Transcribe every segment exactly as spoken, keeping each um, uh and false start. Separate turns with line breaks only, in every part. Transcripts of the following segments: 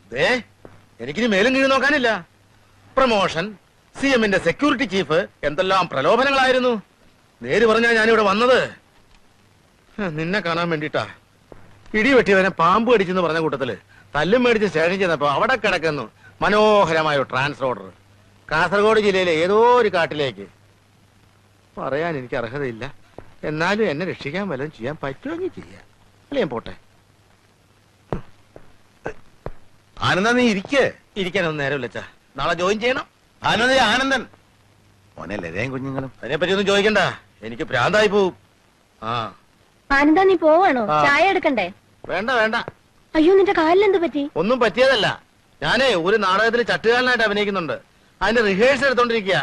എനിക്കിനി മേലും കീഴ് നോക്കാനില്ല. പ്രമോഷൻ, സി എമ്മിന്റെ സെക്യൂരിറ്റി ചീഫ്, എന്തെല്ലാം പ്രലോഭനങ്ങളായിരുന്നു. നേര് പറഞ്ഞാ ഞാനിവിടെ വന്നത് നിന്നെ കാണാൻ വേണ്ടിട്ടാ. ഇടി വെട്ടിയവനെ പാമ്പ് കടിച്ചെന്ന് പറഞ്ഞ കൂട്ടത്തില് തല്ലും മേടിച്ച് സ്റ്റേഷൻ ചെന്നപ്പോ അവിടെ കിടക്കുന്നു മനോഹരമായ ട്രാൻസ്ഫർ ഓർഡർ. കാസർഗോഡ് ജില്ലയിലെ ഏതോ ഒരു കാട്ടിലേക്ക്. പറയാൻ എനിക്ക് അർഹതയില്ല, എന്നാലും എന്നെ രക്ഷിക്കാൻ വല്ലതും ചെയ്യാൻ പറ്റുമെങ്കിൽ ചെയ്യാം. അല്ലേ ഞാൻ പോട്ടെ. ആനന്ദ, നീ ഇരിക്കേ. ഇരിക്കാനൊന്നും നേരമില്ല അച്ഛാ, നാളെ ജോയിൻ ചെയ്യണം. ആനന്ദ ആനന്ദൻ മോനെ ലതയും കുഞ്ഞുങ്ങളും അതിനെപ്പറ്റി ഒന്നും ചോദിക്കണ്ട, എനിക്ക് ഭ്രാന്തായി പോവും. ആ
ആനന്ദ, നീ പോവാണോ? ചായ എടുക്കണ്ടേ?
വേണ്ട വേണ്ട.
അയ്യോ, നിന്റെ കാലിലെന്ത് പറ്റി?
ഒന്നും പറ്റിയതല്ല. ഞാനേ ഒരു നാടകത്തിൽ ചട്ടുകാരനായിട്ട് അഭിനയിക്കുന്നുണ്ട്. അതിന്റെ റിഹേഴ്സൽ എടുത്തോണ്ടിരിക്കുക.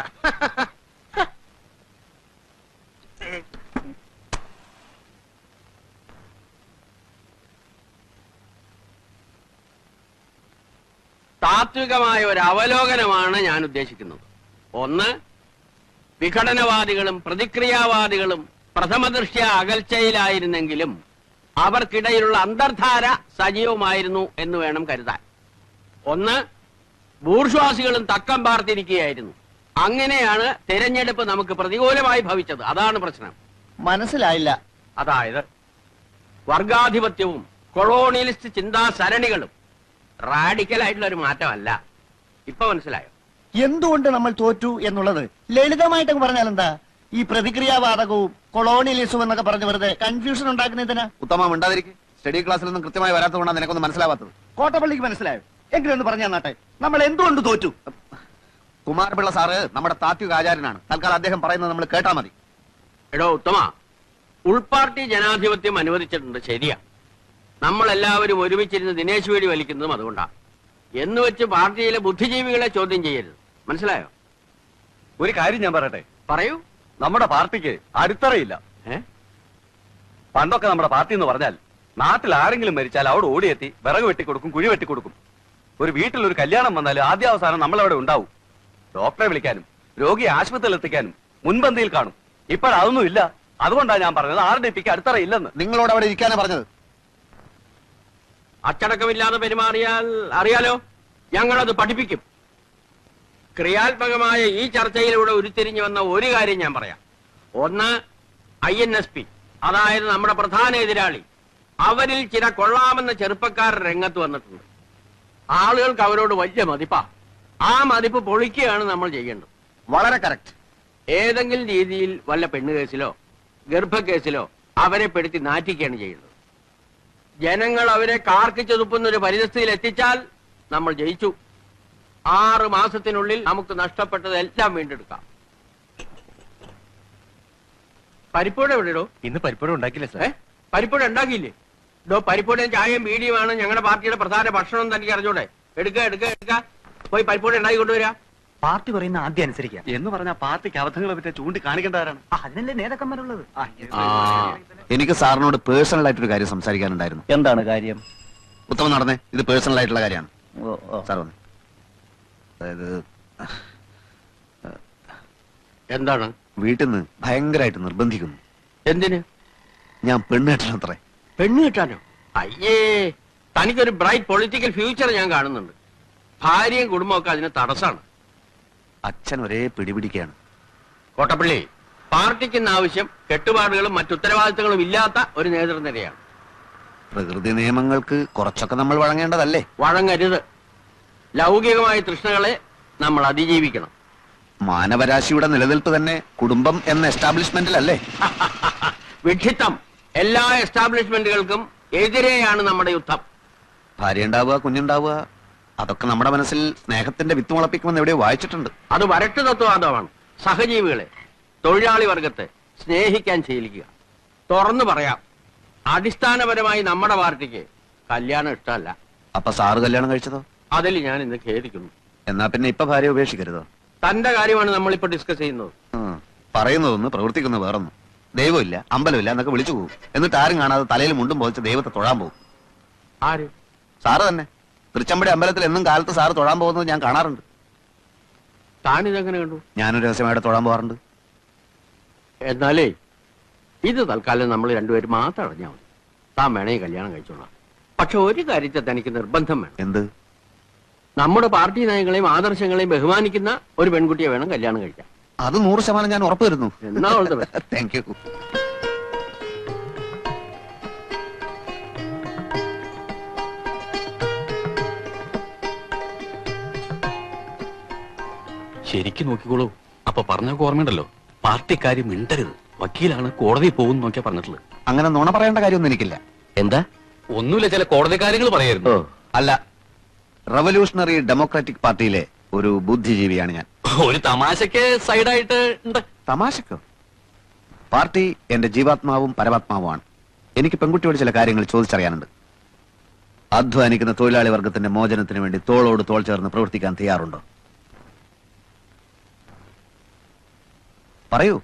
താത്വികമായ ഒരു അവലോകനമാണ് ഞാൻ ഉദ്ദേശിക്കുന്നത്. ഒന്ന്, വിഘടനവാദികളും പ്രതിക്രിയാവാദികളും പ്രഥമദൃഷ്ട്യ അകൽച്ചയിലായിരുന്നെങ്കിലും അവർക്കിടയിലുള്ള അന്തർധാര സജീവമായിരുന്നു എന്ന് വേണം കരുതാൻ. ഒന്ന്, ബൂർഷ്വാസികളും തക്കം പാർത്തിരിക്കുകയായിരുന്നു. അങ്ങനെയാണ് തെരഞ്ഞെടുപ്പ് നമുക്ക് പ്രതികൂലമായി ഭവിച്ചത്. അതാണ് പ്രശ്നം.
മനസ്സിലായില്ല.
അതായത് വർഗാധിപത്യവും കൊളോണിയലിസ്റ്റ് ചിന്താസരണികളും റാഡിക്കലായിട്ടുള്ള ഒരു മാറ്റമല്ല. ഇപ്പൊ മനസ്സിലായോ
എന്തുകൊണ്ട് നമ്മൾ തോറ്റു എന്നുള്ളത്? ലളിതമായിട്ട് പറഞ്ഞാൽ എന്താ? ഈ പ്രതിക്രിയാവാദകവും കൊളോണിയലിസവും എന്നൊക്കെ പറഞ്ഞ് വെറുതെ കൺഫ്യൂഷൻ ഉണ്ടാക്കുന്നതിനാ.
ഉത്തമം ഉണ്ടാതിരിക്കും. സ്റ്റഡി ക്ലാസ്സിലൊന്നും കൃത്യമായി വരാത്തതുകൊണ്ടാണ് നിനക്കൊന്നും മനസ്സിലാവാത്തത്.
കോട്ടപ്പള്ളിക്ക് മനസ്സിലായോ? എങ്കിലും ഒന്ന് പറഞ്ഞു തന്നാട്ടെ, നമ്മൾ എന്തുകൊണ്ട് തോറ്റു?
കുമാരപിള്ള സാറ് നമ്മുടെ താത്വിക ആചാര്യനാണ്. തൽക്കാലം അദ്ദേഹം പറയുന്നത് നമ്മൾ കേട്ടാ മതി.
എടോ ഉത്തമ, ഉൾപാർട്ടി ജനാധിപത്യം അനുവദിച്ചിട്ടുണ്ട്, ശരിയാ. നമ്മളെല്ലാവരും ഒരുമിച്ചിരുന്ന് ദിനേശ് വേടി വലിക്കുന്നതും അതുകൊണ്ടാണ്. എന്ന് വെച്ച് പാർട്ടിയിലെ ബുദ്ധിജീവികളെ ചോദ്യം ചെയ്യരുത്. മനസ്സിലായോ?
ഒരു കാര്യം ഞാൻ പറയട്ടെ.
പറയൂ.
നമ്മുടെ പാർട്ടിക്ക് അടിത്തറയില്ല. പണ്ടൊക്കെ നമ്മുടെ പാർട്ടി എന്ന് പറഞ്ഞാൽ നാട്ടിൽ ആരെങ്കിലും മരിച്ചാൽ അവിടെ ഓടിയെത്തി വിറക് വെട്ടിക്കൊടുക്കും, കുഴി വെട്ടിക്കൊടുക്കും. ഒരു വീട്ടിൽ ഒരു കല്യാണം വന്നാൽ ആദ്യാവസാനം നമ്മളവിടെ ഉണ്ടാവും. ഡോക്ടറെ വിളിക്കാനും രോഗിയെ ആശുപത്രിയിൽ എത്തിക്കാനും മുൻപന്തിയിൽ കാണും. ഇപ്പോഴതൊന്നും ഇല്ല. അതുകൊണ്ടാണ് ഞാൻ പറഞ്ഞത് ആർ ഡി പിക്ക് അടിത്തറയില്ലെന്ന്.
നിങ്ങളോട് അവിടെ ഇരിക്കാനാ പറഞ്ഞത്.
അച്ചടക്കമില്ലാതെ പെരുമാറിയാൽ അറിയാലോ, ഞങ്ങളത് പഠിപ്പിക്കും. ക്രിയാത്മകമായ ഈ ചർച്ചയിലൂടെ ഉരുത്തിരിഞ്ഞു വന്ന ഒരു കാര്യം ഞാൻ പറയാം. ഒന്ന്, ഐ എൻ എസ് പി, അതായത് നമ്മുടെ പ്രധാന എതിരാളി. അവരിൽ ചില കൊള്ളാമെന്ന ചെറുപ്പക്കാർ രംഗത്ത് വന്നിട്ടുണ്ട്. ആളുകൾക്ക് അവരോട് വലിയ മതിപ്പാ. ആ മതിപ്പ് പൊളിക്കുകയാണ് നമ്മൾ ചെയ്യേണ്ടത്.
വളരെ കറക്റ്റ്.
ഏതെങ്കിലും രീതിയിൽ വല്ല പെണ്ണുകേസിലോ ഗർഭക്കേസിലോ അവരെ പെടുത്തി നാറ്റിക്കുകയാണ് ചെയ്യുന്നത്. ജനങ്ങൾ അവരെ കാർക്കിച്ചു തുപ്പുന്ന ഒരു പരിസ്ഥിതിയിൽ എത്തിച്ചാൽ നമ്മൾ ജയിച്ചു. ആറ് മാസത്തിനുള്ളിൽ നമുക്ക് നഷ്ടപ്പെട്ടതെല്ലാം വീണ്ടെടുക്കാം. പരിപ്പൂട എവിടെയോ?
ഇന്ന് പരിപ്പൂട ഉണ്ടാക്കില്ല സാർ.
പരിപ്പൂട ഉണ്ടാക്കിയില്ലേ? ഡോ, പരിപ്പൂടയും ചായയും ബീഡിയുമാണ് ഞങ്ങളുടെ പാർട്ടിയുടെ പ്രധാന ഭക്ഷണം. തനിക്ക് അറിഞ്ഞൂടെ? എടുക്ക എടുക്ക എടുക്ക പോയി പരിപ്പൂട ഉണ്ടാക്കി കൊണ്ടുവരാ.
പാർട്ടി പറയുന്ന ആദ്യം അനുസരിക്കുക
എന്ന് പറഞ്ഞാൽ പാർട്ടിക്ക് അബദ്ധങ്ങളെ പറ്റി ചൂണ്ടിക്കാണിക്കേണ്ടവരാണ്.
അതിനല്ലേ നേതാക്കന്മാരുള്ളത്.
എനിക്ക് സാറിനോട് പേഴ്സണൽ ആയിട്ടൊരു കാര്യം സംസാരിക്കാനുണ്ടായിരുന്നു.
എന്താണ് കാര്യം?
ഉത്തമം നടന്നേ, ഇത് പേഴ്സണൽ ആയിട്ടുള്ള കാര്യമാണ്. സാർ വന്നേ. അതായത്
എന്താണ്?
വീട്ടിൽ നിന്ന് ഭയങ്കരമായിട്ട് നിർബന്ധിക്കുന്നു.
എന്തിന്?
ഞാൻ പെണ്ണ് കെട്ടണത്രേ.
പെണ്ണ് കിട്ടാനോ? അയ്യേ, തനിക്കൊരു ബ്രൈറ്റ് പൊളിറ്റിക്കൽ ഫ്യൂച്ചർ ഞാൻ കാണുന്നുണ്ട്. ഭാര്യയും കുടുംബമൊക്കെ അതിന് തടസ്സമാണ്.
അച്ഛൻ ഒരേ പിടിപിടിക്കുകയാണ്.
കോട്ടപ്പള്ളി, പാർട്ടിക്ക് ഇന്ന് ആവശ്യം കെട്ടുപാടുകളും മറ്റുത്തരവാദിത്തങ്ങളും ഇല്ലാത്ത ഒരു നേതൃനിരയാണ്.
പ്രകൃതി നിയമങ്ങൾക്ക് കുറച്ചൊക്കെ നമ്മൾ വഴങ്ങേണ്ടതല്ലേ?
വഴങ്ങരുത്. ലൗകികമായ തൃഷ്ണകളെ നമ്മൾ അതിജീവിക്കണം.
മാനവരാശിയുടെ നിലനിൽപ്പ് തന്നെ കുടുംബം എന്ന എസ്റ്റാബ്ലിഷ്മെന്റിലല്ലേ?
വിഡ്ഢിത്തം. എല്ലാ എസ്റ്റാബ്ലിഷ്മെന്റുകൾക്കും എതിരെയാണ് നമ്മുടെ യുദ്ധം.
ഭാര്യ ഉണ്ടാവുക, കുഞ്ഞുണ്ടാവുക, അതൊക്കെ നമ്മുടെ മനസ്സിൽ സ്നേഹത്തിന്റെ വിത്ത് മുളപ്പിക്കുമെന്ന് എവിടെയോ വായിച്ചിട്ടുണ്ട്.
അത് വരട്ട് തത്വവാദമാണ്. സഹജീവികളെ, തൊഴിലാളി വർഗത്തെ സ്നേഹിക്കാൻ ശീലിക്കുക. തുറന്നു പറയാം, അടിസ്ഥാനപരമായി നമ്മുടെ പാർട്ടിക്ക് കല്യാണം ഇഷ്ടമല്ല.
അപ്പൊ സാറ് കല്യാണം കഴിച്ചതോ?
അതിൽ ഞാൻ ഇന്ന് ഖേദിക്കുന്നു.
എന്നാ പിന്നെ ഇപ്പൊ ഭാര്യ ഉപേക്ഷിക്കരുതോ?
തന്റെ കാര്യമാണ് നമ്മളിപ്പോ ഡിസ്കസ് ചെയ്യുന്നത്.
പറയുന്നതൊന്ന് പ്രവർത്തിക്കുന്നത് വേറൊന്നും. ദൈവമില്ല, അമ്പലമില്ല എന്നൊക്കെ വിളിച്ചു പോകും. എന്നിട്ട് ആരും കാണാതെ തലയിൽ മുണ്ടും പോയിച്ച് ദൈവത്തെ തൊഴാൻ പോകും.
ആര്?
സാറ് തന്നെ. തൃച്ചമ്പടി അമ്പലത്തിൽ എന്നും കാലത്ത് സാറ് തൊഴാൻ പോകുന്നത് ഞാൻ കാണാറുണ്ട്.
താനിതെങ്ങനെ കണ്ടു?
ഞാനൊരു രഹസ്യമായിട്ട് തൊഴാൻ പോകാറുണ്ട്.
എന്നാലേ ഇത് തൽക്കാലം നമ്മൾ രണ്ടുപേരും മാത്രം അറിഞ്ഞാൽ മതി. താൻ വേണേ കല്യാണം കഴിച്ചോളാം. പക്ഷെ ഒരു കാര്യത്തെ തനിക്ക് നിർബന്ധം വേണം.
എന്ത്?
നമ്മുടെ പാർട്ടി നയങ്ങളെയും ആദർശങ്ങളെയും ബഹുമാനിക്കുന്ന ഒരു പെൺകുട്ടിയെ വേണം കല്യാണം കഴിക്കാൻ.
അത് നൂറ് ശതമാനം ഞാൻ ഉറപ്പ് തരുന്നു.
എന്നാ ഉള്ളത്.
Thank you.
ശരിക്കും നോക്കിക്കോളൂ. അപ്പൊ പറഞ്ഞ ഓർമ്മയുണ്ടല്ലോ, പാർട്ടിക്കാര് മിണ്ടരുത്, വക്കീലാണ് കോടതിയിൽ പോകും നോക്കിയാ പറഞ്ഞിട്ടുള്ളത്.
അങ്ങനെ നുണ പറയേണ്ട കാര്യമൊന്നും എനിക്കില്ല.
എന്താ?
ഒന്നുമില്ല, ചില കോടതി കാര്യങ്ങൾ പറയായിരുന്നു.
അല്ല, റവല്യൂഷണറി ഡെമോക്രാറ്റിക് പാർട്ടിയിലെ ഒരു ബുദ്ധിജീവിയാണ് ഞാൻ.
ഒരു തമാശക്ക് സൈഡായിട്ട് ഉണ്ട്.
തമാശക്കോ? പാർട്ടി എന്റെ ജീവാത്മാവും പരമാത്മാവുമാണ്. എനിക്ക് പെൺകുട്ടിയോട് ചില കാര്യങ്ങൾ ചോദിച്ചറിയാനുണ്ട്. അധ്വാനിക്കുന്ന തൊഴിലാളി വർഗത്തിന്റെ മോചനത്തിന് വേണ്ടി തോളോട് തോൾ ചേർന്ന് പ്രവർത്തിക്കാൻ തയ്യാറുണ്ടോ? പറയൂ.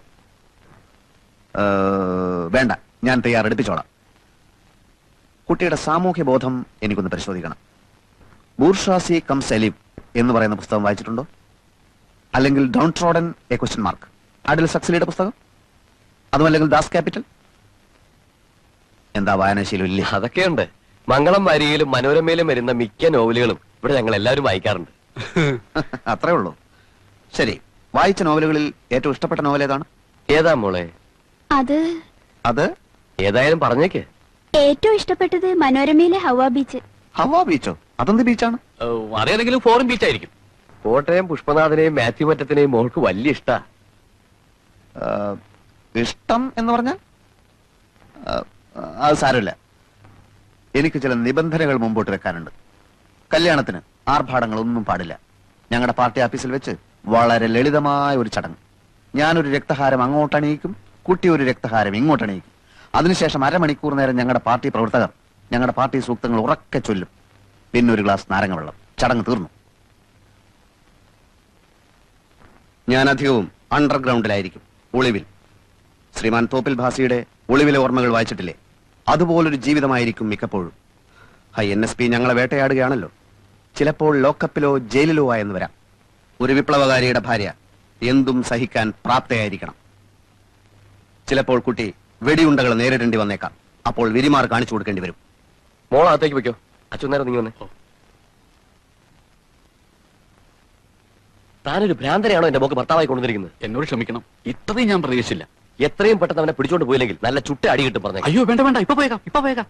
വേണ്ട, ഞാൻ തയ്യാറെടുപ്പിച്ചോളാം. കുട്ടിയുടെ സാമൂഹ്യ ബോധം എനിക്കൊന്ന് പരിശോധിക്കണം. ബൂർഷാസി കംസ് എലിവ് എന്ന് പറയുന്ന പുസ്തകം വായിച്ചിട്ടുണ്ടോ? അല്ലെങ്കിൽ downtrodden a question mark, അഡിൽ സക്സലിയുടെ പുസ്തകം? അതുമല്ലെങ്കിൽ ദാസ് ക്യാപിറ്റൽ? എന്താ വായനാശീലം ഇല്ലേ?
അതൊക്കെയുണ്ട്. മംഗളം വാരികയിലും മനോരമയിലും വരുന്ന മിക്ക നോവലുകളും ഇവിടെ ഞങ്ങൾ എല്ലാവരും വായിക്കാറുണ്ട്.
അത്രേ ഉള്ളൂ. ശരി, വായിച്ച നോവലുകളിൽ ഏറ്റവും ഇഷ്ടപ്പെട്ട നോവൽ ഏതാണ്?
ഏതാ മോളെ?
അത്
അത്
ഏതായാലും പറഞ്ഞേക്ക്.
ഏറ്റവും ഇഷ്ടപ്പെട്ടത് മനോരമയിലെ ഹവ ബീച്ച്.
ഹവാ ബീച്ചോ? അതെന്ത് ബീച്ചാണ്?
അതേതെങ്കിലും ഫോറിൻ ബീച്ച് ആയിരിക്കും.
കോട്ടയം പുഷ്പനാഥനെയും മാത്യു മറ്റത്തിനെയും മോൾക്ക് വലിയ ഇഷ്ടാ.
ഇഷ്ടം എന്ന് പറഞ്ഞാൽ അത് സാരമില്ല. എനിക്ക് ചില നിബന്ധനകൾ മുമ്പോട്ട് വെക്കാനുണ്ട്. കല്യാണത്തിന് ആർഭാടങ്ങളൊന്നും പാടില്ല. ഞങ്ങളുടെ പാർട്ടി ഓഫീസിൽ വെച്ച് വളരെ ലളിതമായ ഒരു ചടങ്ങ്. ഞാനൊരു രക്തഹാരം അങ്ങോട്ടണിയിക്കും, കുട്ടി ഒരു രക്തഹാരം ഇങ്ങോട്ടണിയിക്കും. അതിനുശേഷം അരമണിക്കൂർ നേരം ഞങ്ങളുടെ പാർട്ടി പ്രവർത്തകർ ഞങ്ങളുടെ പാർട്ടി സൂക്തങ്ങൾ ഉറക്കെ ചൊല്ലും. പിന്നെ ഒരു ഗ്ലാസ് നാരങ്ങ വെള്ളം. ചടങ്ങ് തീർന്നു. ഞാൻ അധികവും അണ്ടർഗ്രൗണ്ടിലായിരിക്കും, ഒളിവിൽ. ശ്രീമാൻ തോപ്പിൽ ഭാസിയുടെ ഒളിവിലെ ഓർമ്മകൾ വായിച്ചിട്ടില്ലേ? അതുപോലൊരു ജീവിതമായിരിക്കും മിക്കപ്പോഴും. ഹൈ എൻ എസ് പി ഞങ്ങളെ വേട്ടയാടുകയാണല്ലോ. ചിലപ്പോൾ ലോക്കപ്പിലോ ജയിലിലോ ആയെന്ന് വരാം. ഒരു വിപ്ലവകാരിയുടെ ഭാര്യ എന്തും സഹിക്കാൻ പ്രാപ്തയായിരിക്കണം. ചിലപ്പോൾ കുട്ടി വെടിയുണ്ടകൾ നേരിടേണ്ടി വന്നേക്കാം. അപ്പോൾ വിരിമാർ കാണിച്ചു കൊടുക്കേണ്ടി വരും.
മോൾ അകത്തേക്ക് വെക്കോ. അച്ഛൻ നേരം നീ വന്നേ. താനൊരു ഭ്രാന്തനെയാണോ എന്റെ മോക്ക് ഭർത്താവായി കൊണ്ടുവന്നിരിക്കുന്നത്?
എന്നോട് ക്ഷമിക്കണം, ഇത്രയും ഞാൻ പ്രതീക്ഷിച്ചില്ല.
എത്രയും പെട്ടെന്ന് അവനെ പിടിച്ചോണ്ട് പോയില്ലെങ്കിൽ നല്ല ചുട്ട അടി കിട്ടും പറഞ്ഞേ.
അയ്യോ വേണ്ട വേണ്ട, ഇപ്പൊ പോയേക്കാം, ഇപ്പൊ പോയേക്കാം.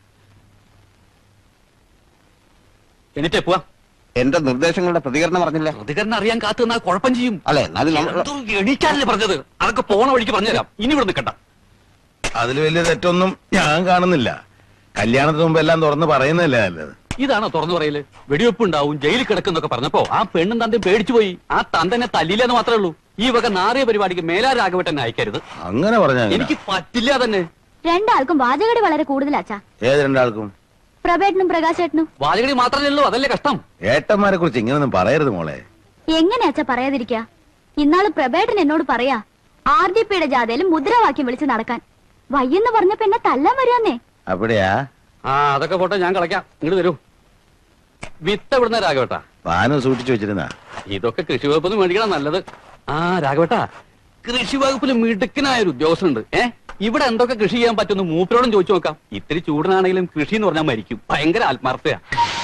എന്നിട്ടേ പോവാ.
എന്റെ നിർദ്ദേശങ്ങളുടെ പ്രതികരണം പറഞ്ഞില്ല.
പ്രതികരണം അറിയാൻ കാത്തു നിന്നാ കുഴപ്പം ചെയ്യും.
അല്ലെ, എന്നാലും നമ്മൾ-
എണീക്കാനല്ലേ പറഞ്ഞത്? അതൊക്കെ പോണ വഴിക്ക് പറഞ്ഞുതരാം. ഇനി ഇവിടെ നിൽക്കണ്ട.
അതിൽ വലിയ തെറ്റൊന്നും ഞാൻ കാണുന്നില്ല. കല്യാണത്തിന് മുമ്പ് എല്ലാം തുറന്ന് പറയുന്നതല്ലേ നല്ലത്.
ഇതാണോ തുറന്നു പറയല്? വെടിവെപ്പ് ഉണ്ടാവും, ജയിലിൽ കിടക്കുന്നൊക്കെ പറഞ്ഞപ്പോ ആ പെണ്ണും തന്തയും പേടിച്ചു പോയി. ആ തന്തനെ തല്ലില്ലെന്ന് മാത്രമേ ഉള്ളൂ. ഈ വക നാറിയ പരിപാടിക്ക് മേലാ രാഘവട്ടനെ അയക്കരുത്.
അങ്ങനെ പറഞ്ഞാ
എനിക്ക് പറ്റില്ല തന്നെ.
രണ്ടാൾക്കും വാചകടി വളരെ കൂടുതലാച്ചാ.
ഏത് രണ്ടാൾക്കും?
പ്രഭേട്ടനും പ്രകാശേട്ടനും.
വാചകടി മാത്രമല്ലേ ഉള്ളൂ, അതല്ലേ കഷ്ടം.
ഏട്ടന്മാരെ കുറിച്ച് ഇങ്ങനൊന്നും പറയരുത് മോളെ.
എങ്ങനെയാച്ചാ പറയാതിരിക്ക? ഇന്നാള് പ്രഭേട്ടൻ എന്നോട് പറയാ ആർ ഡി പിയുടെ ജാഥയിൽ മുദ്രാവാക്യം വിളിച്ച് നടക്കാൻ. വയ്യെന്ന് പറഞ്ഞപ്പോ എന്നെ തല്ലാൻ വരുന്നേ.
അവിടെയാ?
ആ അതൊക്കെ പോട്ടെ, ഞാൻ കളയ്ക്കാം. ഇങ്ങോട്ട് തരൂ. വിത്ത് എവിടുന്ന രാഘവട്ടാ?
പാനം സൂക്ഷിച്ചു വെച്ചിരുന്ന.
ഇതൊക്കെ കൃഷി വകുപ്പിൽ മേടിക്കണം നല്ലത്. ആ രാഘവട്ടാ, കൃഷി വകുപ്പിൽ മിടുക്കനായ ഒരു ഉദ്യോഗസ്ഥനുണ്ട്. ഏ ഇവിടെ എന്തൊക്കെ കൃഷി ചെയ്യാൻ പറ്റുമെന്ന് മൂപ്പരോടും ചോദിച്ചു നോക്കാം. ഇത്തിരി ചൂടനാണെങ്കിലും കൃഷി എന്ന് പറഞ്ഞാൽ മരിക്കും. ഭയങ്കര ആത്മാർത്ഥയാ.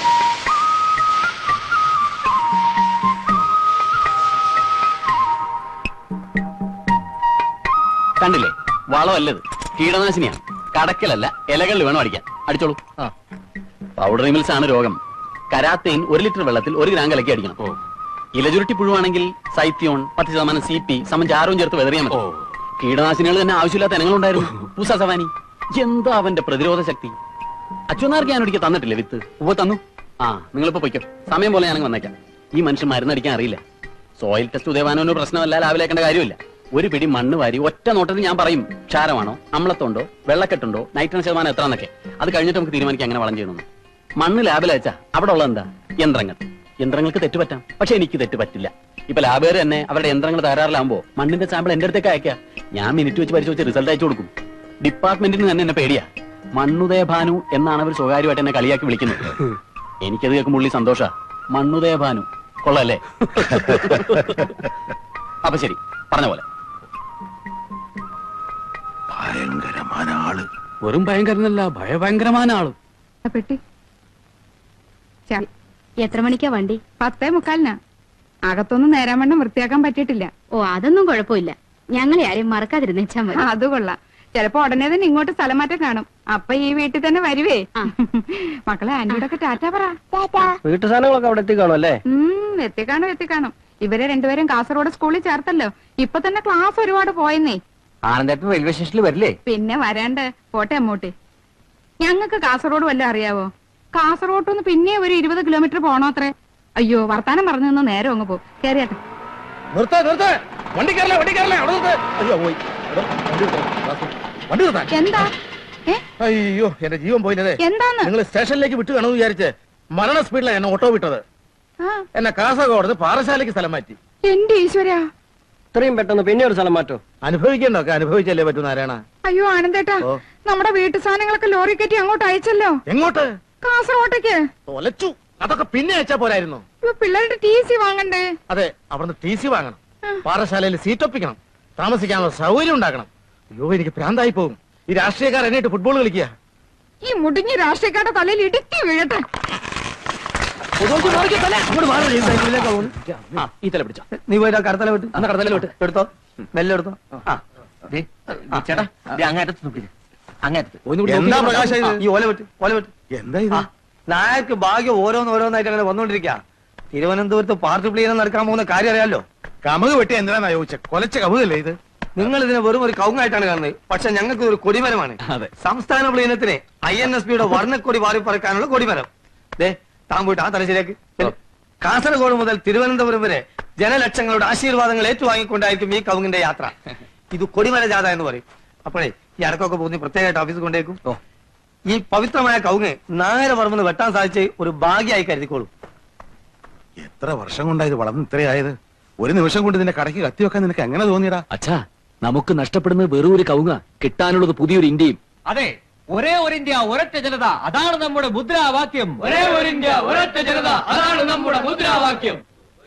കണ്ടില്ലേ, വളമല്ലത്, കീടനാശിനിയാണ്. കടക്കലല്ല, ഇലകളിൽ വേണം അടിക്കാൻ. അടിച്ചോളൂ. പൗഡർ മിൽസ് ആണ് രോഗം. കരാത്തേൻ ഒരു ലിറ്റർ വെള്ളത്തിൽ ഒരു ഗ്രാം കലക്കി അടിക്കണം. ഇലചുരുട്ടി പുഴുവാണെങ്കിൽ സൈത്യോൺ പത്ത് ശതമാനം സി പി സമം ജാരവും ചേർത്ത് വെതറിയാൽ മതി. കീടനാശിനികൾ തന്നെ ആവശ്യമില്ലാത്ത ഇനങ്ങളുണ്ടായിരുന്നു. പൂസ സവാനി എന്താ അവന്റെ പ്രതിരോധ ശക്തി. അച്ഛനാർക്ക് ഞാൻ ഒരിക്കൽ തന്നിട്ടില്ലേ വിത്ത്? ഉവ്വ തന്നു. ആ നിങ്ങളിപ്പോ പൊയ്ക്കോ, സമയം പോലെ ഞാനങ്ങ് വന്നേക്കാം. ഈ മനുഷ്യൻ മരുന്നടിക്കാൻ അറിയില്ല. സോയിൽ ടെസ്റ്റ് ഉദയവാനൊരു പ്രശ്നമല്ല, ലാവിലേക്കേണ്ട കാര്യമില്ല. ഒരു പിടി മണ്ണ് വാരി ഒറ്റ നോട്ടത്തിൽ ഞാൻ പറയും ക്ഷാരമാണോ, അമ്ലത്തുണ്ടോ, വെള്ളക്കെട്ടുണ്ടോ, നൈട്രജൻ ശതമാനം എത്രന്നൊക്കെ. അത് കഴിഞ്ഞിട്ട് നമുക്ക് തീരുമാനിക്കാം അങ്ങനെ വളം ചെയ്യണമെന്ന്. മണ്ണ് ലാബിൽ അയച്ചാ അവിടെ ഉള്ള എന്താ? യന്ത്രങ്ങൾ. യന്ത്രങ്ങൾക്ക് തെറ്റുപറ്റാം, പക്ഷെ എനിക്ക് തെറ്റ് പറ്റില്ല. ഇപ്പൊ ലാബുകാർ തന്നെ അവരുടെ യന്ത്രങ്ങൾ തകരാറിലാകുമ്പോ മണ്ണിന്റെ സാമ്പിൾ എന്റെ അടുത്തേക്ക് അയക്കാം. ഞാൻ മിനിറ്റ് വെച്ച് പരിശോധിച്ച് റിസൾട്ട് അയച്ചു കൊടുക്കും. ഡിപ്പാർട്ട്മെന്റിന് തന്നെ എന്നെ പേടിയാ. മണ്ണുദയ ഭാനു എന്നാണ് അവർ സ്വകാര്യമായിട്ട് എന്നെ കളിയാക്കി വിളിക്കുന്നത്. എനിക്കത് കേൾക്കുമ്പോൾ ഉള്ളി സന്തോഷ. മണ്ണുദയ ഭാനു കൊള്ളല്ലേ? അപ്പൊ ശരി, പറഞ്ഞ പോലെ.
ഭയങ്കരമായ ആള്.
വെറും ഭയങ്കരനല്ല, ഭയഭയങ്കരമായ ആള്.
പെട്ടി
എത്ര മണിക്കാ വണ്ടി?
പത്തേ മുക്കാലിനാ. അകത്തൊന്നും നേരാൻ വേണ്ട വൃത്തിയാക്കാൻ പറ്റിയിട്ടില്ല.
ഓ അതൊന്നും കുഴപ്പമില്ല, ഞങ്ങളെ ആരെയും മറക്കാതിരുന്നേച്ചാ മതി.
അത് കൊള്ളാം. ചിലപ്പോ ഉടനെ തന്നെ ഇങ്ങോട്ട് സ്ഥലം മാറ്റം കാണും. അപ്പൊ ഈ വീട്ടിൽ തന്നെ വരുവേ. മക്കളെ ആന്റിയോടൊക്കെ ടാറ്റാ പറ.
വീട്ടു സാധനങ്ങളൊക്കെ അവിടെ എത്തിക്കാണോ അല്ലേ?
ഉം എത്തിക്കാണും എത്തിക്കാണും. ഇവരെ രണ്ടുപേരും കാസർഗോഡ് സ്കൂളിൽ ചേർത്തല്ലോ. ഇപ്പൊ തന്നെ ക്ലാസ് ഒരുപാട് പോയെന്നേ.
ആനന്ദേട്ടൻ റെയിൽവേ സ്റ്റേഷനിൽ വരില്ലേ?
പിന്നെ വരാണ്ട് പോട്ടെ അമ്മൂട്ടി. ഞങ്ങൾക്ക് കാസർഗോഡ് വല്ലതും അറിയാവോ? കാസർഗോഡ് നിന്ന് പിന്നെ ഒരു ഇരുപത് കിലോമീറ്റർ പോണോ അത്രേ. അയ്യോ വർത്താനം പറഞ്ഞു നിന്ന് നേരം അങ്ങ് പോകും. കേറിയാട്ടെ.
നിർത്താ നിർത്താ വണ്ടി കയറലേ വണ്ടി കയറലേ അവിടെ നിർത്ത്. അയ്യോ പോയി എടോ, വണ്ടി നിർത്താൻ. വണ്ടി നിർത്താൻ.
എന്താ? ഏ?
അയ്യോ എന്റെ ജീവൻ പോയില്ലേ.
എന്താന്ന്?
നിങ്ങൾ സ്റ്റേഷനിലേക്ക് വിട്ടു കാണുമെന്ന് വിചാരിച്ച് മരണ സ്പീഡിലാണ് എന്നെ ഓട്ടോ വിട്ടത്. എന്നെ കാസർഗോഡ് പാറശാലയ്ക്ക് സ്ഥലം മാറ്റി.
എന്റെ ഈശ്വരാ,
ഇത്രയും പെട്ടെന്ന് പിന്നെ ഒരു സ്ഥലം മാറ്റോ?
അനുഭവിക്കണ്ടൊക്കെ അനുഭവിച്ചല്ലേ പറ്റൂ നാരായണ.
അയ്യോ ആനന്ദേട്ടാ,
ഓ.
നമ്മുടെ വീട്ടു സാധനങ്ങളൊക്കെ ലോറി കയറ്റി അങ്ങോട്ട് അയച്ചല്ലോ.
എങ്ങോട്ട്?
കാസർഗോട്ടേക്ക്.
തൊലച്ചു. അതൊക്കെ പിന്നെ അയച്ചാ പോരായിരുന്നു.
ഇപ്പൊ പിള്ളേരുടെ ടി സി വാങ്ങണ്ടേ?
അതെ, അവിടുന്ന് ടി സി വാങ്ങണം, പാറശാലയിൽ സീറ്റ് ഒപ്പിക്കണം, താമസിക്കാനുള്ള സൗകര്യം ഉണ്ടാക്കണം. അയ്യോ എനിക്ക് ഭ്രാന്തായി പോകും. ഈ രാഷ്ട്രീയക്കാർ എന്നിട്ട് ഫുട്ബോൾ കളിക്കുക.
ഈ മുടിഞ്ഞ രാഷ്ട്രീയക്കാരുടെ തലയിൽ ഇടുക്കി വീഴട്ടെ.
ഈ തല പിടിച്ചോ.
നീ പോയിട്ട് കടത്തല വിട്ട്
അന്ന് കടത്തല വിട്ട്
എടുത്തോ, മെല്ലെ എടുത്തോ. ചേട്ടാ അങ്ങേറ്റത്ത് നോക്കില്ല, അങ്ങേറ്റത്ത്.
എന്താ പ്രകാശ ഇത്?
ഈ ഓല വിട്ട് ഓല വിട്ട്.
എന്താ ഇത്?
നായർക്ക് ഭാഗ്യം ഓരോന്ന് ഓരോന്നായിട്ട് അങ്ങനെ വന്നോണ്ടിരിക്കുക. തിരുവനന്തപുരത്ത് പാർട്ടി പ്ലീനം നടക്കാൻ പോകുന്ന കാര്യം അറിയാലോ.
കമുക് വെട്ടി എന്തിനാ ചോദിച്ച? കൊലച്ച കമുകല്ലേ ഇത്?
നിങ്ങൾ ഇതിനെ വെറും ഒരു കവുങ്ങായിട്ടാണ് കാണുന്നത്. പക്ഷെ ഞങ്ങൾക്ക് ഒരു കൊടിമരമാണ്. സംസ്ഥാന പ്ലീനത്തിന് ഐ എൻ എസ് പിയുടെ വർണ്ണക്കൊടി വാരി പറക്കാനുള്ള കൊടിമരം. ദേ താൻ പോയിട്ട് ആ തലശ്ശേരിക്ക്. കാസർഗോഡ് മുതൽ തിരുവനന്തപുരം വരെ ജനലക്ഷങ്ങളുടെ ആശീർവാദങ്ങൾ ഏറ്റുവാങ്ങിക്കൊണ്ടായിരിക്കും ഈ കവുങ്ങിന്റെ യാത്ര. ഇത് കൊടിമര ജാഥ എന്ന് പറയും. അപ്പോഴേ ഈ അടക്കമൊക്കെ പോകുന്ന പ്രത്യേകമായിട്ട് ഓഫീസിൽ കൊണ്ടേക്കും. ഈ പവിത്രമായ കവുങ്ങ് നായര പറമ്പെന്ന് വെട്ടാൻ സാധിച്ച് ഒരു ഭാഗ്യമായി കരുതിക്കോളൂ.
എത്ര വർഷം കൊണ്ടായത് വളർന്ന് ഇത്രയായത്? ഒരു നിമിഷം കൊണ്ട് നിന്റെ കടയ്ക്ക് കത്തി വെക്കാൻ നിനക്ക് എങ്ങനെ തോന്നിയടാ?
അച്ഛാ, നമുക്ക് നഷ്ടപ്പെടുന്നത് വെറും ഒരു കവുങ്ങ, കിട്ടാനുള്ളത് പുതിയൊരു ഇന്ത്യയും.
അതെ, ഒരേ ഒരു ഇന്ത്യ ഒരൊറ്റ ജനത, അതാണ് നമ്മുടെ മുദ്രാവാക്യം. ഒരേ ഒരു ഇന്ത്യ ഒരൊറ്റ ജനത, അതാണ് നമ്മുടെ മുദ്രാവാക്യം.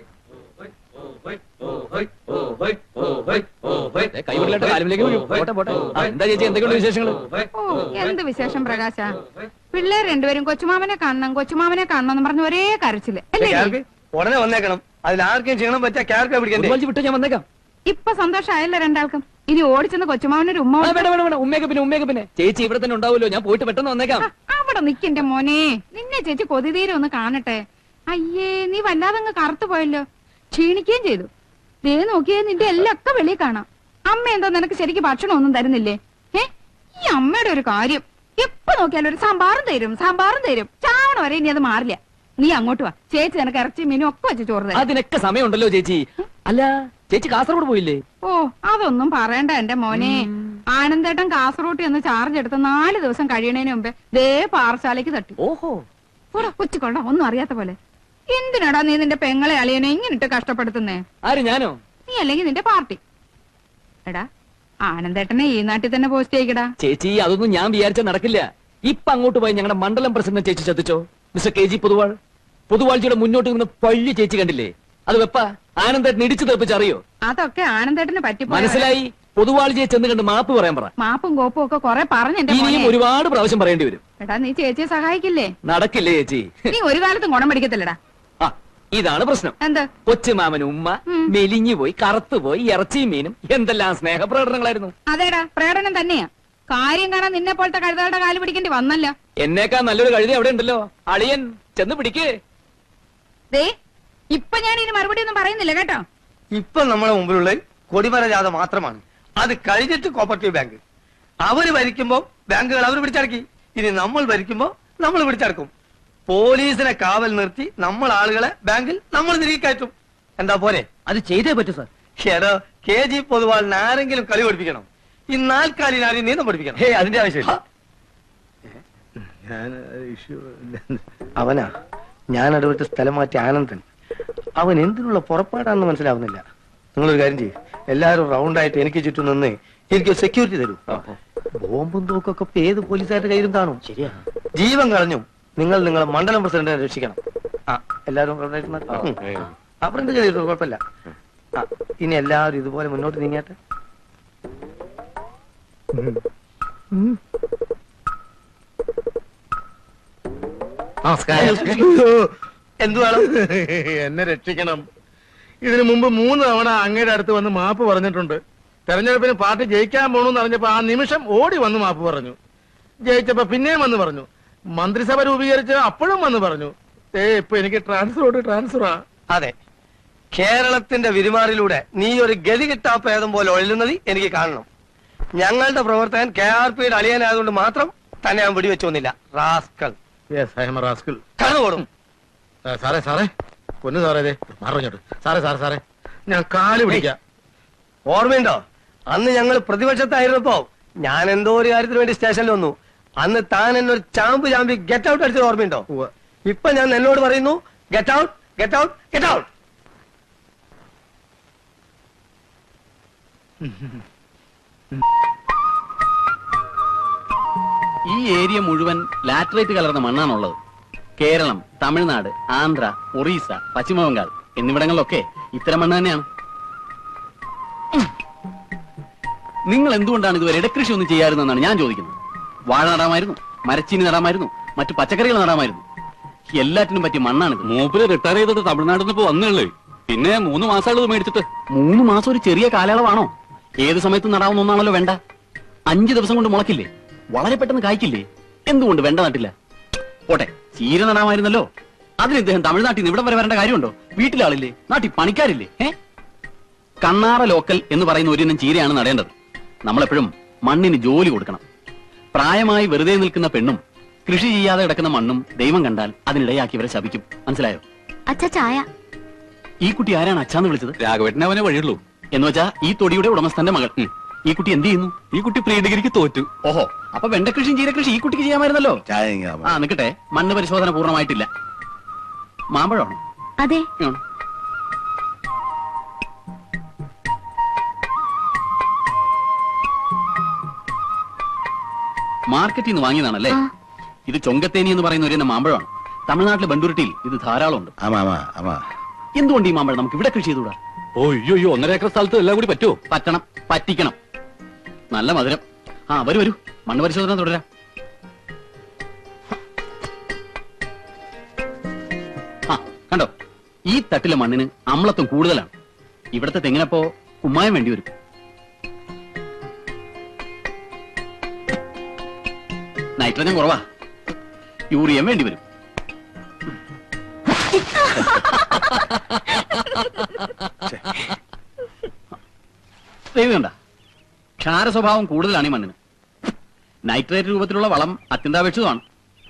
കൈവിടലായിട്ട് കാലുമിലേക്ക് വീഴും. പോട്ടെ പോട്ടെ. ആ, എന്താ ചേച്ചി, എന്തൊക്കെയുണ്ട് വിശേഷങ്ങള്?
ഓ എന്ത് വിശേഷം പ്രകാശ. പിള്ളേർ രണ്ടുപേരും കൊച്ചുമാമനെ കാണണം കൊച്ചുമാമനെ കാണണം എന്ന് പറഞ്ഞ ഒരേ കരച്ചില് അല്ലേ?
ഉടനെ വന്നേക്കണം. അതിൽ ആർക്കും ക്ഷീണം പറ്റാ ക്യാർക്ക് പിടിക്കണ്ടേ?
വിട്ട് ഞാൻ വന്നേക്കാം.
ഇപ്പൊ സന്തോഷമായല്ലോ രണ്ടാൾക്കും. ഇനി ഓടിച്ചെന്ന് കൊച്ചുമാവനൊരു ഉമ്മ.
വേണ്ട വേണ്ട വേണ്ട, ഉമ്മയൊക്കെ പിന്നെ ഉമ്മയൊക്കെ പിന്നെ. ചേച്ചി ഇവിടെ തന്നെ ഉണ്ടാവുമല്ലോ, ഞാൻ പോയിട്ട് പെട്ടെന്ന് വന്നേക്കാം.
അവിടെ നിക്കന്റെ മോനെ, നിന്നെ ചേച്ചി കൊതിതീരെ ഒന്ന് കാണട്ടെ. അയ്യേ, നീ വല്ലാതങ്ങ് കറുത്തു പോയല്ലോ, ക്ഷീണിക്കുകയും ചെയ്തു. ദേ നോക്കിയേ, നിന്റെ എല്ലാം ഒക്കെ വെളിയിൽ കാണാം. അമ്മ എന്താ നിനക്ക് ശരിക്കും ഭക്ഷണം ഒന്നും തരുന്നില്ലേ? ഏ ഈ അമ്മയുടെ ഒരു കാര്യം, എപ്പോ നോക്കിയാലും ഒരു സാമ്പാറും തരും സാമ്പാറും തരും. ചാവണ വരെ ഇനി അത് മാറില്ല. നീ അങ്ങോട്ട് വാ, ചേച്ചി നിനക്ക് ഇറച്ചി മീനും ഒക്കെ വെച്ച് ചോറ് തരാം.
അതിനൊക്കെ സമയമുണ്ടല്ലോ ചേച്ചി. അല്ല ചേച്ചി കാസർഗോഡ് പോയില്ലേ?
ഓ അതൊന്നും പറയണ്ട എന്റെ മോനെ. ആനന്ദേട്ടൻ കാസർഗോഡ് എന്ന് ചാർജ് എടുത്ത് നാല് ദിവസം കഴിയണേന് മുമ്പേ ദേ പാറശാലയ്ക്ക് തട്ടി.
ഓഹോ,
കൊച്ചുകൊണ്ട ഒന്നും അറിയാത്ത പോലെ. എന്തിനാടാ നീ നിന്റെ പെങ്ങളെ അളിയനെ ഇങ്ങനിട്ട് കഷ്ടപ്പെടുത്തുന്നേ?
ആര്, ഞാനോ?
നീ അല്ലെങ്കിൽ നിന്റെ പാർട്ടി. എടാ ആനന്ദേട്ടനെ ഈ നാട്ടിൽ തന്നെ പോസ്റ്റ് ചെയ്യിക്കടാ.
ചേച്ചി അതൊന്നും ഞാൻ വിചാരിച്ച നടക്കില്ല. ഇപ്പൊ അങ്ങോട്ട് പോയി ഞങ്ങളുടെ മണ്ഡലം പ്രസിഡന്റ് ചേച്ചി ശ്രദ്ധിച്ചോ? Mister K G Poduval. പൊതുവാഴ്ചയുടെ മുന്നോട്ട് നിന്ന് പള്ളി ചേച്ചി കണ്ടില്ലേ? അത് വെപ്പ ആനന്ദേട്ടൻ ഇടിച്ചു തെറിപ്പിച്ചറിയോ?
അതൊക്കെ ആനന്ദേട്ടന് പറ്റി
മനസ്സിലായി. പൊതുവാഴ്ചയെ ചെന്ന് കണ്ട് മാപ്പ് പറയാൻ പറ.
മാപ്പും കോപ്പും ഒക്കെ കൊറേ പറഞ്ഞു.
ഇനിയും ഒരുപാട് പ്രാവശ്യം പറയേണ്ടി വരും.
എടാ നീ ചേച്ചിയെ സഹായിക്കില്ലേ?
നടക്കില്ലേ ചേച്ചി?
നീ ഒരു കാലത്തും ഗുണം പിടിക്കത്തില്ലടാ.
ആ ഇതാണ് പ്രശ്നം.
എന്ത്?
കൊച്ചുമാമൻ ഉമ്മ മെലിഞ്ഞു പോയി, കറുത്തുപോയി, ഇറച്ചിയും മീനും എന്തെല്ലാം സ്നേഹപ്രകടനങ്ങളായിരുന്നു.
അതേടാ പ്രകടനം തന്നെയാ. കാര്യം കാണാൻ നിന്നെ പോലത്തെ കഴുതകളുടെ കാല് പിടിക്കേണ്ടി വന്നല്ല.
എന്നേക്കാ നല്ലൊരു കഴുതി അവിടെ ഉണ്ടല്ലോ. അളിയൻ ചെന്ന് പിടിക്കേ.
ദേ ഇപ്പൊ ഞാൻ ഇനി മറുപടി ഒന്നും പറയുന്നില്ല കേട്ടോ.
ഇപ്പൊ നമ്മുടെ മുമ്പിലുള്ള കൊടിമര ജാഥ മാത്രമാണ്. അത് കഴിഞ്ഞിട്ട് കോപ്പറേറ്റീവ് ബാങ്ക് അവര് ഭരിക്കുമ്പോ ബാങ്കുകൾ അവർ പിടിച്ചടക്കി. ഇനി നമ്മൾ ഭരിക്കുമ്പോ നമ്മൾ പിടിച്ചടക്കും. പോലീസിനെ കാവൽ നിർത്തി നമ്മൾ ആളുകളെ ബാങ്കിൽ നമ്മൾ തിരികെ കയറ്റും. എന്താ പോരെ?
അത് ചെയ്തേ പറ്റൂ സാർ.
ഷെറോ കെ ജി പൊതുവാളിന് ആരെങ്കിലും കളി പഠിപ്പിക്കണം. ഈ നാൽക്കാലിന് ആരെയും നീന്തം പഠിപ്പിക്കണം.
ഹേ അതിന്റെ ആവശ്യമില്ല.
അവനാ ഞാൻ അടുത്ത സ്ഥലം മാറ്റി ആനന്ദൻ. അവൻ എന്തിനുള്ള പുറപ്പാടാണെന്ന് മനസ്സിലാവുന്നില്ല. നിങ്ങളൊരു കാര്യം ചെയ്യും, എല്ലാവരും റൗണ്ടായിട്ട് എനിക്ക് ചുറ്റും നിന്ന് എനിക്ക് സെക്യൂരിറ്റി തരൂ. ബോംബും തോക്കൊക്കെ ഇപ്പൊ ഏത് പോലീസുകാരുടെ കയ്യിലും കാണും. ശരിയാ. ജീവൻ കളഞ്ഞു നിങ്ങൾ നിങ്ങളെ മണ്ഡലം പ്രസിഡന്റിനെ രക്ഷിക്കണം. ആ എല്ലാവരും റൗണ്ടായിട്ട് അപ്പുറം ചെയ്തിട്ടു, കുഴപ്പമില്ല. ആ ഇനി എല്ലാവരും ഇതുപോലെ മുന്നോട്ട് നീങ്ങാട്ടെ.
നമസ്കാരം.
എന്തു വേണം?
എന്നെ രക്ഷിക്കണം. ഇതിനു മുമ്പ് മൂന്ന് തവണ അങ്ങയുടെ അടുത്ത് വന്ന് മാപ്പ് പറഞ്ഞിട്ടുണ്ട്. തെരഞ്ഞെടുപ്പിന് പാർട്ടി ജയിക്കാൻ പോണെന്ന് അറിഞ്ഞപ്പോ ആ നിമിഷം ഓടി വന്ന് മാപ്പ് പറഞ്ഞു. ജയിച്ചപ്പോ പിന്നെയും വന്ന് പറഞ്ഞു. മന്ത്രിസഭ രൂപീകരിച്ച് അപ്പോഴും വന്ന് പറഞ്ഞു. ഏ ഇപ്പൊ എനിക്ക് ട്രാൻസ്ഫറോട് ട്രാൻസ്ഫറാ.
അതെ, കേരളത്തിന്റെ വിരുമാറിലൂടെ നീ ഒരു ഗതി കിട്ടാപ്പേദം പോലെ ഒഴുകുന്നത് എനിക്ക് കാണണം. ഞങ്ങളുടെ പ്രവർത്തകൻ കെ ആർ പിയുടെ അളിയനായതുകൊണ്ട് മാത്രം തന്നെ ഞാൻ വെടിവെച്ചു വന്നില്ല. Rascal.
Yes I am a rascal.
കടന്നുപോടും.
സാറേ സാറേ പൊന്നു സാറേ ഇതേ മറിഞ്ഞോട്ട്. സാറേ സാറേ സാറേ ഞാൻ കാല് പിടിക്കാം.
ഓർമ്മയുണ്ടോ അന്ന് ഞങ്ങൾ പ്രതിപക്ഷത്തായിരുന്നപ്പോ ഞാൻ എന്തോ ഒരു കാര്യത്തിന് വേണ്ടി സ്റ്റേഷനിൽ വന്നു. അന്ന് താൻ എന്നൊരു ചാമ്പ് ചാമ്പി ഗെറ്റ് ഔട്ട് അടിച്ചത് ഓർമ്മയുണ്ടോ? ഇപ്പൊ ഞാൻ എന്നോട് പറയുന്നു get out get out get out.
ഈ ഏരിയ മുഴുവൻ ലാറ്ററൈറ്റ് കലർന്ന മണ്ണാണുള്ളത്. കേരളം, തമിഴ്നാട്, ആന്ധ്ര, ഒറീസ, പശ്ചിമബംഗാൾ എന്നിവിടങ്ങളിലൊക്കെ ഇത്തരം മണ്ണ് തന്നെയാണ്. നിങ്ങൾ എന്തുകൊണ്ടാണ് ഇതുവരെ ഇടകൃഷി ഒന്നും ചെയ്യാറുതെന്നാണ് ഞാൻ ചോദിക്കുന്നത്. വാഴ നടാമായിരുന്നു, മരച്ചീനി നടാമായിരുന്നു, മറ്റു പച്ചക്കറികൾ നടാമായിരുന്നു. എല്ലാറ്റിനും പറ്റിയ മണ്ണാണിത്.
മൂപ്പര് റിട്ടയർ ചെയ്തിട്ട് തമിഴ്നാട്ടിൽ നിന്ന് ഇപ്പൊ വന്നുള്ളേ. പിന്നെ മൂന്ന് മാസമുള്ളത് മേടിച്ചിട്ട്.
മൂന്ന് മാസം ഒരു ചെറിയ കാലയളവാണോ? ഏത് സമയത്തും നടാവുന്ന ഒന്നാണല്ലോ വെണ്ട. അഞ്ചു ദിവസം കൊണ്ട് മുളക്കില്ലേ? വളരെ പെട്ടെന്ന് കായ്ക്കില്ലേ? എന്തുകൊണ്ട് വെണ്ട നട്ടില്ല? പോട്ടെ, ചീര നടാമായിരുന്നല്ലോ. അതിന് ഇദ്ദേഹം തമിഴ്നാട്ടിൽ നിന്ന് ഇവിടം വരെ വരേണ്ട കാര്യമുണ്ടോ? വീട്ടിലാളില്ലേ? നാട്ടിൽ പണിക്കാരില്ലേ? ഏ കണ്ണാറ ലോക്കൽ എന്ന് പറയുന്ന ഒരിനം ചീരയാണ് നടേണ്ടത്. നമ്മളെപ്പോഴും മണ്ണിന് ജോലി കൊടുക്കണം. പ്രായമായി വെറുതെ നിൽക്കുന്ന പെണ്ണും കൃഷി ചെയ്യാതെ കിടക്കുന്ന മണ്ണും ദൈവം കണ്ടാൽ അതിനിടയാക്കിയവരെ ശപിക്കും. മനസ്സിലായോ?
അച്ഛാ ചായ.
ഈ കുട്ടി ആരാണ് അച്ഛാന്ന് വിളിച്ചത്?
രാഘവേട്ടനെ അവനെ വഴിയുള്ളൂ.
എന്ന് വെച്ചാ ഈ തൊടിയുടെ ഉടമസ്ഥന്റെ മകൾ. ഈ കുട്ടി എന്ത് ചെയ്യുന്നു?
ഈ കുട്ടി പ്രീ ഡിഗ്രിക്ക് തോറ്റു.
ഓഹോ, അപ്പൊ വെണ്ടകൃഷിയും ചീരകൃഷി ഈ കുട്ടിക്ക് ചെയ്യാമായിരുന്നല്ലോ.
ചായ
ആ നിക്കട്ടെ, മണ്ണ് പരിശോധന പൂർണ്ണമായിട്ടില്ല. മാമ്പഴമാണോ?
അതെ.
ആണ്. മാർക്കറ്റിൽ നിന്ന് വാങ്ങിയതാണല്ലേ? ഇത് ചൊങ്കത്തേനി എന്ന് പറയുന്ന ഒരു മാമ്പഴമാണ്. തമിഴ്നാട്ടിലെ ബണ്ടൂരിട്ടിയിൽ ഇത് ധാരാളം ഉണ്ട്. എന്തുകൊണ്ട് ഈ മാമ്പഴം നമുക്ക് ഇവിടെ കൃഷി ചെയ്തുകൂടാ?
ഓ അയ്യോ അയ്യോ ഒന്നര ഏക്കർ സ്ഥലത്ത് എല്ലാം കൂടി പറ്റുമോ?
പറ്റണം, പറ്റിക്കണം. നല്ല മധുരം. ആ വരൂ വരൂ, മണ്ണ് പരിശോധന തുടരാം. ആ കണ്ടോ, ഈ തട്ടിലെ മണ്ണിന് അമ്ലത്വം കൂടുതലാണ്. ഇവിടത്തെ തെങ്ങിനപ്പോ കുമ്മായം വേണ്ടി വരും. നൈട്രജൻ കുറവാ, യൂറിയം വേണ്ടി വരും. ദൈവണ്ട, ക്ഷാര സ്വഭാവം കൂടുതലാണ് ഈ മണ്ണിന്. നൈട്രേറ്റ് രൂപത്തിലുള്ള വളം അത്യന്താപേക്ഷിതമാണ്.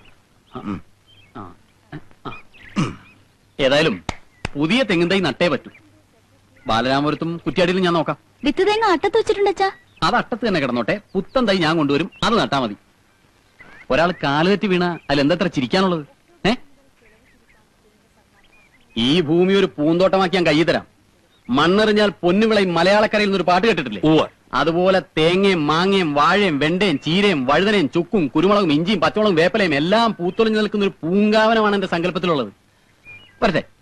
ഏതായാലും പുതിയ തെങ്ങിൻ തൈ നട്ടേ പറ്റൂ. ബാലരാമപുരത്തും കുറ്റ്യാടിയിലും ഞാൻ നോക്കാം.
വിത്ത് തേങ്ങ അട്ടത്ത് വെച്ചിട്ടുണ്ട് അച്ഛാ.
അത് അട്ടത്ത് തന്നെ കിടന്നോട്ടെ. പുത്തൻ തൈ ഞാൻ കൊണ്ടുവരും, അത് നട്ടാ മതി. ഒരാൾ കാലുതെറ്റി വീണ അതിലെന്തത്ര ചിരിക്കാനുള്ളത്? ഏ ഈ ഭൂമി ഒരു പൂന്തോട്ടമാക്കി ഞാൻ കയ്യിൽ തരാം. മണ്ണെറിഞ്ഞാൽ പൊന്നുവിളയും മലയാളക്കരയിൽ നിന്നൊരു പാട്ട് കേട്ടിട്ടില്ലേ? അതുപോലെ തേങ്ങയും മാങ്ങയും വാഴയും വെണ്ടയും ചീരയും വഴുതനയും ചുക്കും കുരുമുളകും ഇഞ്ചിയും പച്ചമുളകും വേപ്പലയും എല്ലാം പൂത്തൊളിഞ്ഞു നിൽക്കുന്ന ഒരു പൂങ്കാവനമാണ് എന്റെ സങ്കല്പത്തിലുള്ളത്. വരട്ടെ.